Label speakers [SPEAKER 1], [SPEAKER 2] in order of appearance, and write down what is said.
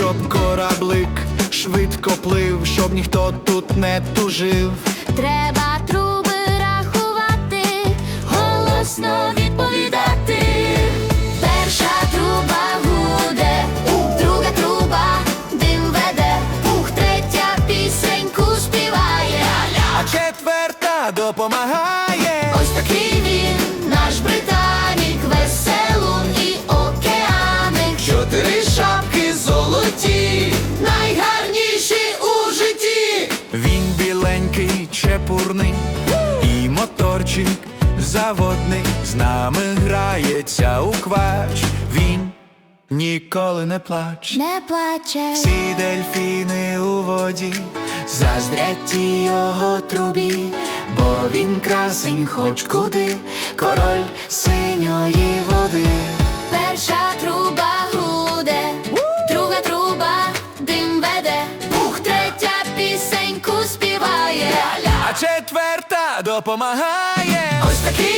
[SPEAKER 1] щоб кораблик швидко плив, щоб ніхто тут не тужив.
[SPEAKER 2] Треба труби рахувати, голосно відповідати. Перша труба гуде, друга труба дим веде, третя пісеньку співає,
[SPEAKER 1] А четверта допомагає.
[SPEAKER 2] ось такий він, наш Британік, веселун і океаник.
[SPEAKER 1] 4 шапки золоті,
[SPEAKER 2] Найгарніші у житті.
[SPEAKER 1] він біленький, чепурний, і моторчик заводний з нами грається у квач. Він ніколи не плаче.
[SPEAKER 2] Не плаче,
[SPEAKER 1] Всі дельфіни у воді заздрять тій його трубі, бо він красень хоч куди, король синьої води.
[SPEAKER 2] перша труба гуде, друга труба дим веде, третя пісеньку співає,
[SPEAKER 1] А четверта допомагає.
[SPEAKER 2] ось такий